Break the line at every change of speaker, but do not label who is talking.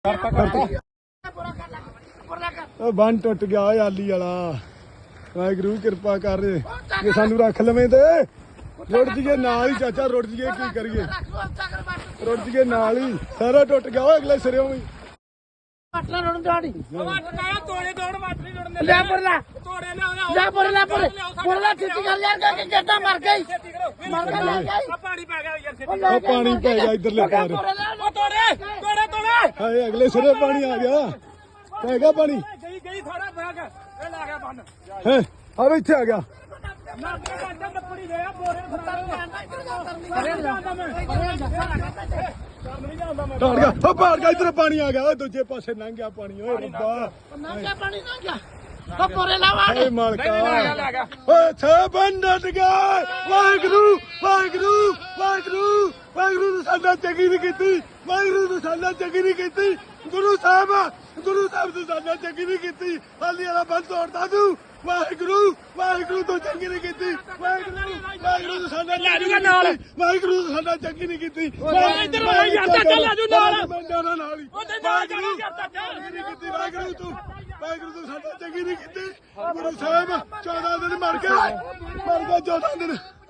ਬੰਨ ਟੁੱਟ ਗਿਆ ਓਏ ਆਲੀ ਵਾਲਾ। ਵਾਹਿਗੁਰੂ ਕਿਰਪਾ ਕਰ ਜੇ ਸਾਨੂੰ ਰੱਖ ਲਵੇਂ ਤੇ ਰੁੜ ਜੀਏ ਨਾਲ ਹੀ। ਚਾਚਾ ਰੁੜ ਜੀਏ ਕੀ ਕਰੀਏ, ਰੁੜ ਜੀਏ ਨਾਲ ਹੀ। ਸਾਰਾ ਟੁੱਟ ਗਿਆ ਓਏ ਅਗਲੇ ਸਿਰਿਓਂ ਵੀ। ਪਾਣੀ ਪੈ ਗਿਆ ਇਧਰਲੇ ਪਾਰ। ਹਾਏ ਅਗਲੇ ਸਿਰੇ ਪਾਣੀ ਆ ਗਿਆ, ਪੈ ਗਿਆ ਪਾਣੀ। ਹੈ ਆ ਇੱਥੇ ਆ ਗਿਆ। ਟਾੜ ਗਿਆ ਉਹ ਪਾੜ ਗਿਆ। ਇਧਰ ਪਾਣੀ ਆ ਗਿਆ, ਦੂਜੇ ਪਾਸੇ ਲੰਘ ਗਿਆ ਪਾਣੀ। ਓਏ ਰੱਬਾ ਓਏ ਮਾਲਕਾ ਓਏ ਛੇ ਬੰਦਟ ਗਏ। ਵਾਹਿਗੁਰੂ ਵਾਹਿਗੁਰੂ ਵਾਹਿਗੁਰੂ ਵਾਹਿਗੁਰੂ ਨੇ ਸਾਡਾ ਚੰਗੀ ਨਹੀਂ ਕੀਤੀ। ਵਾਹਿਗੁਰੂ ਨੇ ਸਾਡਾ ਚੰਗੀ ਨਹੀਂ ਕੀਤੀ। ਗੁਰੂ ਸਾਹਿਬ ਨੇ ਸਾਡਾ ਚੰਗੀ ਨਹੀਂ ਕੀਤੀ। ਹਾਲੀ ਵਾਲਾ ਬੰਦ ਤੋੜਦਾ ਤੂੰ। ਵਾਹਿਗੁਰੂ ਵਾਹਿਗੁਰੂ ਤੋਂ ਚੰਗੀ ਨਹੀਂ ਕੀਤੀ। ਵਾਹਿਗੁਰੂ ਨੇ ਸਾਡਾ ਵਾਹਿਗੁਰੂ ਨੇ ਸਾਡਾ ਚੰਗੀ ਨਹੀਂ ਕੀਤੀ। ਵਾਹਿਗੁਰੂ ਤੂੰ ਸਾਡਾ ਚੰਗੀ ਨਹੀਂ ਕੀਤੀ। ਗੁਰੂ ਸਾਹਿਬ 14 ਦਿਨ ਮਰ ਗਿਆ 14 ਦਿਨ।